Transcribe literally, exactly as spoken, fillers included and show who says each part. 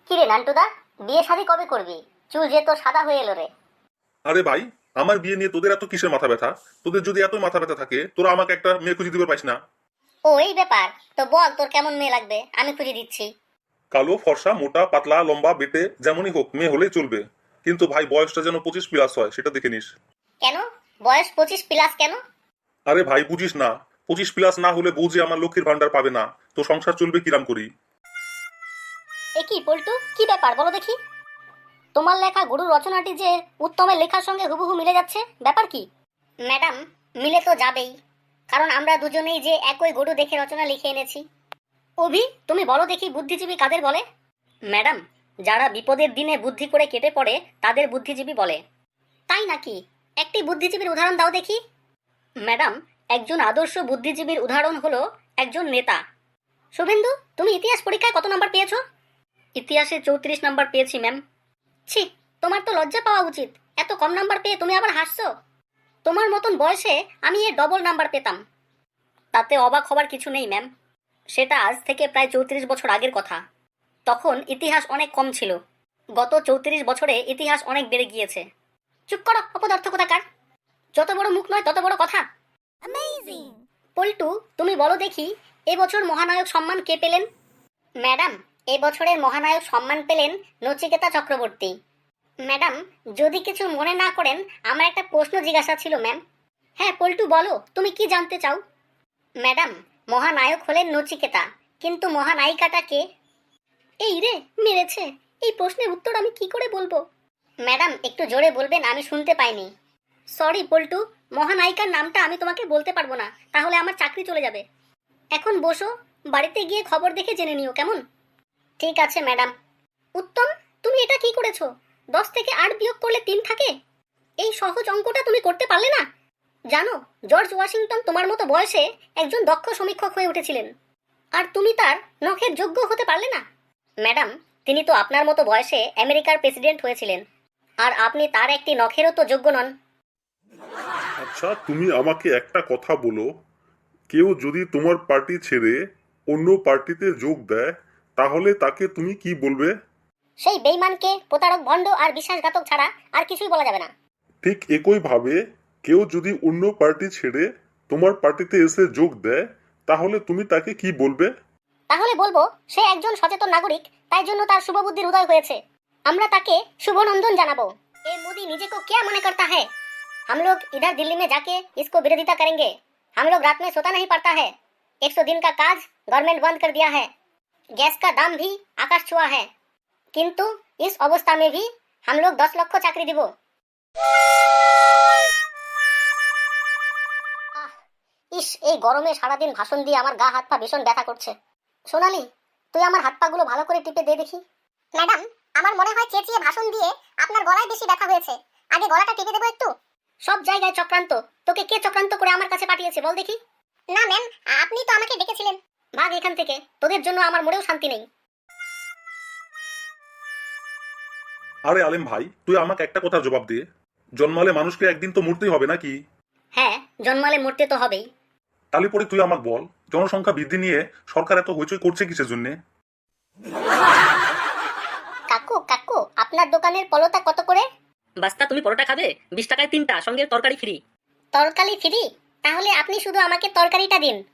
Speaker 1: কিরে নান্টুদা, বিয়ে শাদী কবে করবি? চুল যে তো সাদা হয়ে এলো রে।
Speaker 2: আরে ভাই, আমার বিয়ে নিয়ে তোদের এত কিসের মাথা ব্যথা? তোদের যদি এত মাথা ব্যথা থাকে, তোরা আমাকে একটা মেয়ে খুঁজে দিতে পারিস না?
Speaker 1: ও এই ব্যাপার, তো বল তোর কেমন মেয়ে লাগবে, আমি খুঁজে দিচ্ছি।
Speaker 2: কালো, ফর্সা, মোটা, পাতলা, লম্বা, বেটে, যেমনই হোক মেয়ে হলেই চলবে। কিন্তু ভাই বয়সটা যেন পঁচিশ প্লাস হয়, সেটা দেখে নিস।
Speaker 1: কেন? বয়স পঁচিশ প্লাস কেন?
Speaker 2: আরে ভাই বুঝিস না, পঁচিশ প্লাস না হলে বউ যে আমার লক্ষ্মীর ভান্ডার পাবে না, তো সংসার চলবে কিরাম করি?
Speaker 1: এ কি পল্টু, কি ব্যাপার বলো দেখি। তোমার লেখা গুরু রচনাটি যে উত্তমের লেখার সঙ্গে হুবহু মিলে যাচ্ছে, ব্যাপার কি? ম্যাডাম, মিলে তো যাবেই, কারণ আমরা দুজনেই যে একই গরু দেখে রচনা লিখে এনেছি। অভি, তুমি বলো দেখি বুদ্ধিজীবী কাদের বলে? ম্যাডাম, যারা বিপদের দিনে বুদ্ধি করে কেটে পড়ে তাদের বুদ্ধিজীবী বলে। তাই নাকি? একটি বুদ্ধিজীবীর উদাহরণ দাও দেখি। ম্যাডাম, একজন আদর্শ বুদ্ধিজীবীর উদাহরণ হলো একজন নেতা। শুভেন্দু, তুমি ইতিহাস পরীক্ষায় কত নাম্বার পেয়েছো? ইতিহাসে চৌত্রিশ নাম্বার পেয়েছি ম্যাম। ছি, তোমার তো লজ্জা পাওয়া উচিত। এত কম নাম্বার পেয়ে তুমি আবার হাসছো। তোমার মতন বয়সে আমি এর ডবল নাম্বার পেতাম। তাতে অবাক হবার কিছু নেই ম্যাম, সেটা আজ থেকে প্রায় চৌত্রিশ বছর আগের কথা। তখন ইতিহাস অনেক কম ছিল। গত চৌত্রিশ বছরে ইতিহাস অনেক বেড়ে গিয়েছে। চুপ করো অপদার্থ কোথাকার। যত বড় মুখ নয় তত বড় কথা। পল্টু, তুমি বলো দেখি এবছর মহানায়ক সম্মান কে পেলেন? ম্যাডাম, এবছরের মহানায়ক সম্মান পেলেন নচিকেতা চক্রবর্তী। ম্যাডাম, যদি কিছু মনে না করেন আমার একটা প্রশ্ন জিজ্ঞাসা ছিল ম্যাম। হ্যাঁ পল্টু, বলো তুমি কি জানতে চাও? ম্যাডাম, মহানায়ক হলেন নচিকেতা, কিন্তু মহানায়িকাটা কে? এই রে, মেরেছে। এই প্রশ্নের উত্তর আমি কি করে বলবো? ম্যাডাম একটু জোরে বলবেন, আমি শুনতে পাইনি। সরি পল্টু, মহানায়িকার নামটা আমি তোমাকে বলতে পারবো না, তাহলে আমার চাকরি চলে যাবে। এখন বসো, বাড়িতে গিয়ে খবর দেখে জেনে নিও, কেমন? ঠিক আছে ম্যাডাম। উত্তম, তুমি এটা কি করেছো? দশ থেকে আট বিয়োগ করলে তিন থাকে। এই সহজ অঙ্কটা তুমি করতে পারলে না? জানো, জর্জ ওয়াশিংটন তোমার মতো বয়সে একজন দক্ষ সমীক্ষক হয়ে উঠেছিলেন, আর তুমি তার নখের যোগ্য হতে পারলে না। ম্যাডাম, তিনি তো আপনার মতো বয়সে আমেরিকার প্রেসিডেন্ট হয়েছিলেন, আর আপনি তার একটি নখেরও তো যোগ্য নন।
Speaker 2: আচ্ছা, তুমি আমাকে একটা কথা বলো, কেউ যদি তোমার পার্টি ছেড়ে অন্য পার্টিতে যোগ দেয়, তাহলে তাকে তুমি কি বলবে?
Speaker 1: সেই বেইমানকে, প্রতারক, ভণ্ড আর বিশ্বাসঘাতক ছাড়া আর কিছুই বলা যাবে না।
Speaker 2: ঠিক একইভাবে কেউ যদি অন্য পার্টি ছেড়ে তোমার পার্টিতে এসে যোগ দেয়, তাহলে তুমি তাকে কি বলবে?
Speaker 1: তাহলে বলবো সে একজন সচেতন নাগরিক, তাই জন্য তার শুভ বুদ্ধির উদয় হয়েছে। আমরা তাকে শুভনন্দন জানাবো। এ মোदी নিজে को क्या मने करता है? हम लोग इधर दिल्ली में जाके इसको विरोधिता करेंगे। हम लोग रात में सोता नहीं पड़ता है। एक सौ दिन का काज गवर्नमेंट बंद कर दिया है। गैस का दाम भी आकाश छुआ है। किंतु इस अवस्था में भी हम लोग दस लक्ष चाकरी দিব। ইস, এই গরমে সারাদিন ভাষণ দিয়ে আমার গা হাত পা ভীষণ ব্যথা করছে। সোনালি, তুই আমার হাত পা গুলো ভালো করে টিপে দে দেখি। ম্যাডাম, আমার মনে হয় চেঁচিয়ে ভাষণ দিয়ে আপনার গলায় বেশি ব্যথা হয়েছে। আগে গলাটা টিপে দেবো একটু। সব জায়গায় চক্রান্ত। তোকে কে চক্রান্ত করে আমার কাছে পাঠিয়েছে বল দেখি। না ম্যাম, আপনি তো আমাকে ডেকেছিলেন। ভাগ এখান থেকে, তোদের জন্য আমার মনেও শান্তি নেই।
Speaker 2: আরে আলেম ভাই, তুই আমাকে একটা কথার জবাব দে, জন্মালে মানুষকে একদিন তো মরতেই হবে নাকি?
Speaker 1: হ্যাঁ, জন্মালে মরতে তো হবেই।
Speaker 2: তাহলে পরে তুই আমাকে বল, জনসংখ্যা বৃদ্ধি নিয়ে সরকার এত হইচই করছে কিসের জন্য?
Speaker 1: কাকু কাকু, আপনার দোকানের পলোটা কত করে?
Speaker 3: বাস্তা, তুমি পরোটা খাবে? বিশ টাকায় তিনটা, সঙ্গে তরকারি ফ্রি।
Speaker 1: তরকারি ফ্রি? তাহলে আপনি শুধু আমাকে তরকারিটা দিন।